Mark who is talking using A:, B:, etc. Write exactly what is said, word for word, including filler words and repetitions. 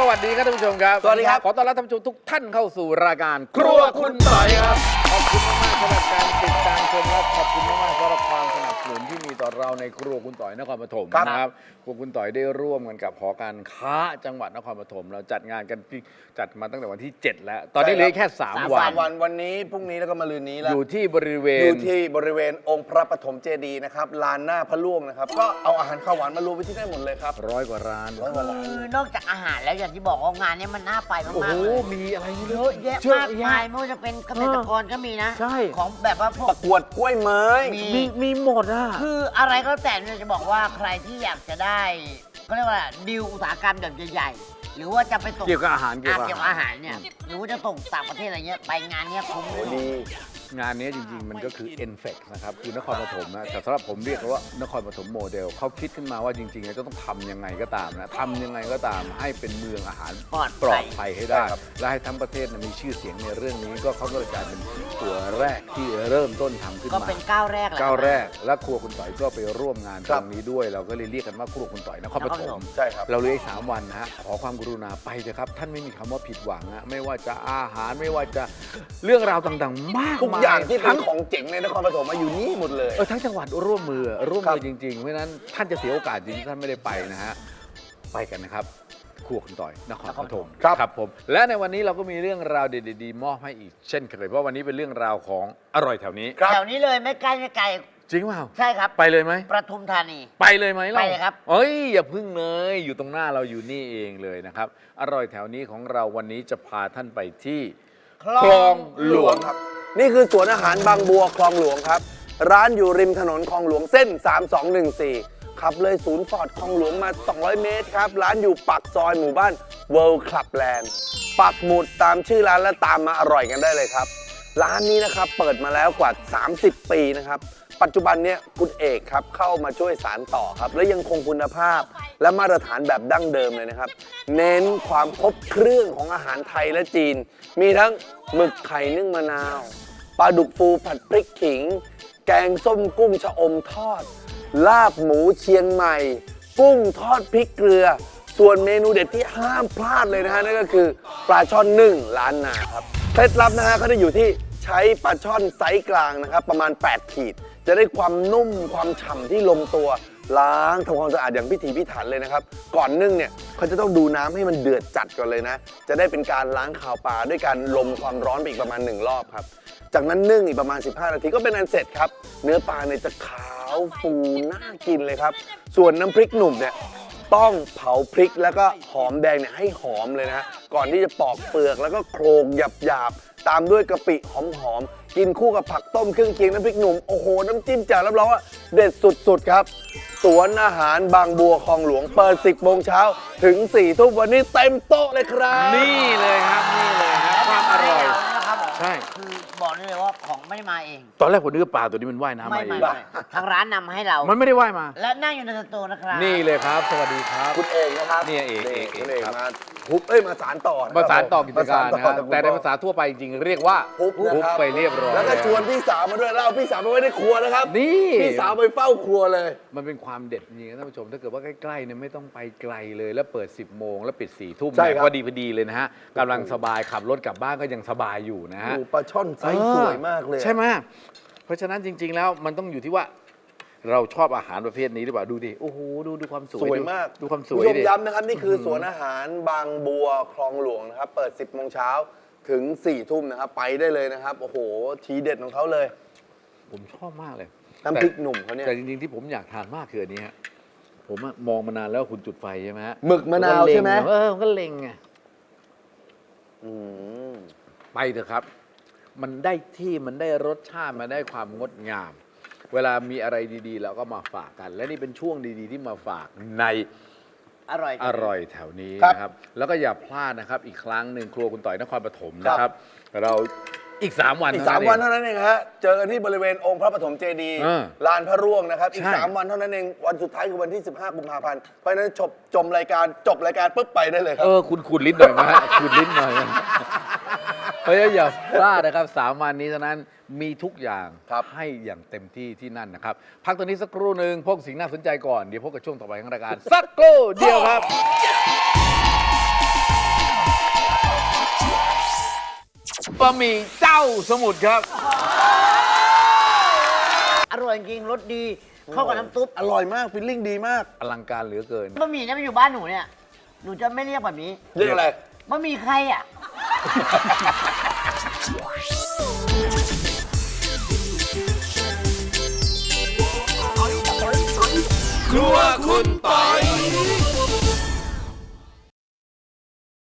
A: วัสดีครับท่านผู้ชมครับ
B: สวัสดีครับ
A: ขอต้อนรับท่านผู้ชมทุกท่านเข้าสู่รายการครัวคุณต่อยครับขอบคุณมากๆสำหรับการติดตามชมและขอบคุณมากๆสำหรับความสนับสนุนที่มีต่อเราในครัวคุณต่อยนครปฐมนะครับครัวคุณต่อยได้ร่วมกันกับหอการค้าจังหวัดนครปฐมเราจัดงานกันจัดมาตั้งแต่วันที่เจ็ดแล้วตอนนี้เหลือแค่สามวัน
B: สามวันวันนี้พรุ่งนี้แล้วก็มะรืนนี้แล้ว
A: อยู่ที่บริเวณ
B: อยู่ที่บริเวณองค์พระปฐมเจดีย์นะครับลานหน้าพระล่วงนะครับก็เอาอาหารข้าวหวานมารวมไว้ที่ได้หมดเลยครับ
A: ร้อยกว่าร้าน
B: ร้อยกว่าร้าน
C: คือนอกจากอาหารแล้วอย่างที่บอกว่างานนี้มันน่าไปมาก
A: โอ้โห
C: ๆเลย
A: มีอะไร
C: เยอะแยะมากมายไม่ว่าจะเป็นเกษตรกรก็มีนะ
A: ใช่
C: ของแบบว่าพว
B: ป
C: ก
B: ระกวดกล้วยไม้
C: มี
A: มีมีหมดอ่ะ
C: คืออะไรก็แล้วแต่เนี่ยจะบอกว่าใครที่อยากจะได้ก็เรียกว่าดีลอุตสาหกรรมแบบใหญ่ๆหรือว่าจะไปส่ง
A: เกี่ยวกับอาหารเกี่ยวกับ
C: เกี่ยวกับอาหารเนี่ยหรือว่าจะส่งต่างประเทศอะไรเงี้ยไปงานเนี้ยคุ้มเลย
B: ดี
A: งานนี้จริงๆ มันก็คือ เอ็น เฟค นะครับคือนครปฐมนะแต่สำหรับผมเรียกว่านครปฐมโมเดลเขาคิดขึ้นมาว่าจริงๆแล้วจะต้องทำยังไงก็ตามนะทำยังไงก็ตามให้เป็นเมืองอาหาร
C: ปลอด
A: ปล
C: ภั
A: อย ดภัยให้ได้ และให้ทั้งประเทศนะมีชื่อเสียงในเรื่องนี้ก็เขาก็เลยกลายเป็นตัวแรกที่เริ่มต้นทำขึ้น
C: ก็
A: มา
C: เป็นก้าวแรกแหละ
A: ก้าวแรกและครัวคุณต่อยก็ไปร่วมงาน
B: ค
A: ต
B: รั
A: ร
B: บ
A: งนี้ด้วย เราก็เลยเรียกกันว่าครัวคุณต่อยนครปฐม
B: ใช่ครับ
A: เราเหลืออีกสามวันนะฮะขอความกรุณาไปเถอะครับท่านไม่มีคำว่าผิดหวังนะไม่ว่าจะอาหารไม่ว่าจะเรื่องราวต่างๆ มาก
B: ทุก
A: มาย
B: อย่างที่เป็
A: ทั้
B: น
A: ง
B: ของเจ๋งในนครปฐมมาอยู่นี่หมดเลย
A: เออทั้งจังหวัดร่วมมือร่วม
B: ครั
A: มื
B: บ
A: อจริงๆ เพราะฉะนั้นท่านจะเสียโอกาสจริงที่ท่านไม่ได้ไปนะฮะไปกันนะครับครัวคุณต่อยนครปฐม
B: ครับ
A: ครับผมและในวันนี้เราก็มีเรื่องราวเด็ดๆมอบให้อีกเช่นเคยเพราะวันนี้เป็นเรื่องราวของอร่อยแถวนี้
B: ครับ
C: แถวนี้เลยไม่ไกลไม่ไกล
A: จริงเปล่า
C: ใช่ครับ
A: ไปเลยไหม
C: ประทุมธานี
A: ไปเลยไหม
C: ไปเลยครับ
A: เอ้ยอย่าพึ่งเลยอยู่ตรงหน้าเราอยู่นี่เองเลยนะครับอร่อยแถวนี้ของเราวันนี้จะพาท่านไปที่คลองหลวง
B: ครับนี่คือสวนอาหารบางบัวคลองหลวงครับร้านอยู่ริมถนนคลองหลวงเส้น สามสองหนึ่งสี่ ขับเลยศูนย์ฟอร์ดคลองหลวงมา สองร้อย เมตรครับร้านอยู่ปากซอยหมู่บ้าน World Club Land ปักหมุดตามชื่อร้านและตามมาอร่อยกันได้เลยครับร้านนี้นะครับเปิดมาแล้วกว่า สามสิบ ปีนะครับปัจจุบันเนี้ยคุณเอกครับเข้ามาช่วยสานต่อครับและยังคงคุณภาพและมาตรฐานแบบดั้งเดิมเลยนะครับเน้นความครบเครื่องของอาหารไทยและจีน มีทั้งหมึกไข่นึ่งมะนาวปลาดุกฟูผัดพริกขิง แกงส้มกุ้งชะอมทอด ลาบหมูเชียงใหม่ กุ้งทอดพริกเกลือ ส่วนเมนูเด็ดที่ห้ามพลาดเลยนะฮะนั่นก็คือปลาช่อนนึ่งล้านนาครับเคล็ดลับนะฮะก็จะอยู่ที่ใช้ปลาช่อนไซส์กลางนะครับประมาณ แปด ขีด จะได้ความนุ่มความฉ่ำที่ลงตัวล้างทำความสะอาดอย่างพิถีพิถันเลยนะครับก่อนนึ่งเนี่ยเขาจะต้องดูน้ำให้มันเดือดจัดก่อนเลยนะจะได้เป็นการล้างคาวปลาด้วยการลมความร้อนไปอีกประมาณหนึ่งรอบครับจากนั้นนึ่งอีกประมาณสิบห้านาทีก็เป็นอันเสร็จครับเนื้อปลาเนี่ยจะขาวฟูน่ากินเลยครับส่วนน้ำพริกหนุ่มเนี่ยต้องเผาพริกแล้วก็หอมแดงเนี่ยให้หอมเลยนะฮะก่อนที่จะปอกเปลือกแล้วก็โคลกหยาบๆตามด้วยกะปิหอมๆกินคู่กับผักต้มเครื่องเคียงน้ำพริกหนุ่มโอ้โหน้ำจิ้มแจ่วรับรองว่าเด็ดสุดๆครับสวนอาหารบางบัวคลองหลวงเปิดสิบโมงเช้าถึงสี่ทุ่มวันนี้เต็มโต๊ะเลยครับ
A: นี่เลยครับนี่เลยครับความอร่อย
C: นะครับผม
A: ใช่
C: คือบอกได้เลยว่าของไม่ได้มาเอง
A: ตอนแรกผมนึกว่าปลาตัวนี้มันว่ายน้ำ
C: ไม่
A: มาเอ
C: ไม่
A: ง
C: ไม่ทางร้านนำมาให้เรา
A: มันไม่ได้ว่ายมา
C: และนั่งอยู่ในสตูนะครับ
A: นี่เลยครับ สวัสดีครับ
B: คุณเอกนะครับ
A: เนี่ยเอกเอกเอก
B: คุณเอก
A: ครับ
B: มาฮุบเอ้ยมาสารต่อนะคบ
A: ภาษานต่อกิจการ
B: ม
A: นะฮะ
B: สต่อ
A: แต่ในภาษาทั่วไปจริงๆเรียกว่า
B: ฮุบนะครับ
A: ไปเรียบร้อย
B: แล้วก็ชวนพี่สาวมาด้วยแล้วเอาพี่สาวไปไว้ในครัวนะครับ
A: นี่
B: พี่สาวไปเฝ้าครัวเลย
A: มันเป็นความเด็ดจริงๆนะท่านผู้ชม ถ้าเกิดว่าใกล้ๆเนี่ยไม่ต้องไปไกลเลย แล้วเปิด สิบโมงแล้วปิดสี่ทุ่ม
B: ใช่ครับ
A: พอดีพอดีเลยนะฮะกำลังสบายขับรถกลับบ้านก็ยังสบายอยู่นะฮะ
B: โอ้ปลาช่อนไซส์สวยมากเลย
A: ใช่ไหมเพราะฉะนั้นจริง ๆ แล้วมันต้องอยู่ที่ว่า เราชอบอาหารประเภทนี้หรือเปล่าดูดิโอ้โหดูดูความสวย
B: สวยมาก
A: ดูความส
B: คุณ
A: วย
B: ผู้ชม
A: ดิ
B: ย้ำนะครับนี่คือสวนอาหารบางบัวคลองหลวงนะครับเปิดสิบโมงเช้าถึงสี่ทุ่มนะครับไปได้เลยนะครับโอ้โหทีเด็ดของเขาเลย
A: ผมชอบมากเลย
B: น้ำพริกหนุ่มเขาเนี่ย
A: แต่จริงๆที่ผมอยากทานมากคืออันนี้ฮะผมอะมองมานานแล้วคุณจุดไฟใช่ไหมฮะ
B: หมึกมะนาวใช่ไหม
A: เออผมก็เล็งไง
B: อืม
A: ไปเถอะครับ มันได้ที่มันได้รสชาติมันได้ความงดงาม เวลามีอะไรดีๆเราก็มาฝากกัน และนี่เป็นช่วงดีๆที่มาฝากใน
C: อร่อย
A: อร่อยแถวนี้
B: ครับ
A: นะครับ แล้วก็อย่าพลาดนะครับ อีกครั้งหนึ่งครัวคุณต่อยนครปฐมนะครับ เราอีก สาม วัน
B: อีก
A: เท่
B: สาม
A: เง
B: วันเท่านั้นเองฮะเจอกันที่บริเวณองค์พระปฐมเจดีย์
A: เออ
B: ลานพระร่วงนะครับอีก
A: ใช่
B: สามวันเท่านั้นเองวันสุดท้ายคือวันที่สิบห้ากุมภาพันธ์เพราะฉะนั้นจบจมรายการจบรายการปุ๊บไปได้เลยครั
A: เอบ อคุณขูดลิ้นหน่อยนะฮะขูดลิ้นหน่อยนะเพราะฉะนั้นอย่าพลาดนะครับสามวันนี้เท่านั้นมีทุกอย่าง
B: ครับ
A: ให้อย่างเต็มที่ที่นั่นนะครับ พักตรงนี้สักครู่หนึ่งพบสิ่งน่าสนใจก่อน เดี๋ยวพบกับช่วงต่อไปของรายการ สักครู่เดียวครับบะหมี่เจ้าสมุทรครับ
C: อร่อยจริงรสดีเข้ากับน้ำซุป
B: อร่อยมากฟิลลิ่งดีมาก
A: อลังการเหลือเกิน
C: บะหมี่เนี่ยมันอยู่บ้านหนูเนี่ยหนูจะไม่เรียกแบบนี้
B: เรียกอะไร
C: บะหมี่ใครอ่ะ
A: ครัวคุณต่อย